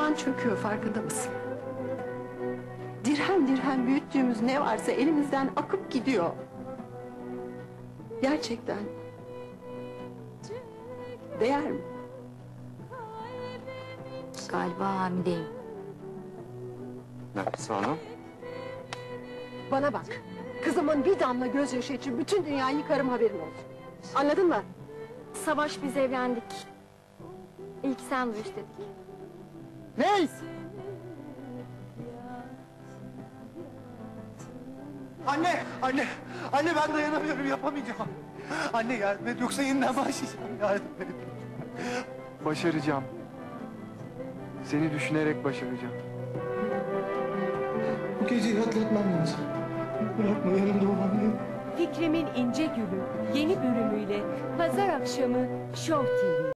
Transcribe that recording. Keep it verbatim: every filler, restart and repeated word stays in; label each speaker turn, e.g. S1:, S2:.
S1: Ocağın çöküyor, farkında mısın? Dirhem dirhem büyüttüğümüz ne varsa elimizden akıp gidiyor. Gerçekten. Değer mi?
S2: Galiba hamileyim.
S3: Nefes Hanım.
S1: Bana bak. Kızımın bir damla gözyaşı için bütün dünyayı yıkarım, haberin olsun. Anladın mı?
S2: Savaş, biz evlendik. İlk sen duy istedik.
S4: Reis! Anne, anne, anne ben dayanamıyorum, yapamayacağım. Anne yardım et, yoksa yeniden başlayacağım, yardım et.
S3: Başaracağım. Seni düşünerek başaracağım.
S4: Bu geceyi atlatmam lazım. Bırakma, yanımda ol anne.
S5: Fikrimin İnce Gülü yeni bölümüyle pazar akşamı Show T V.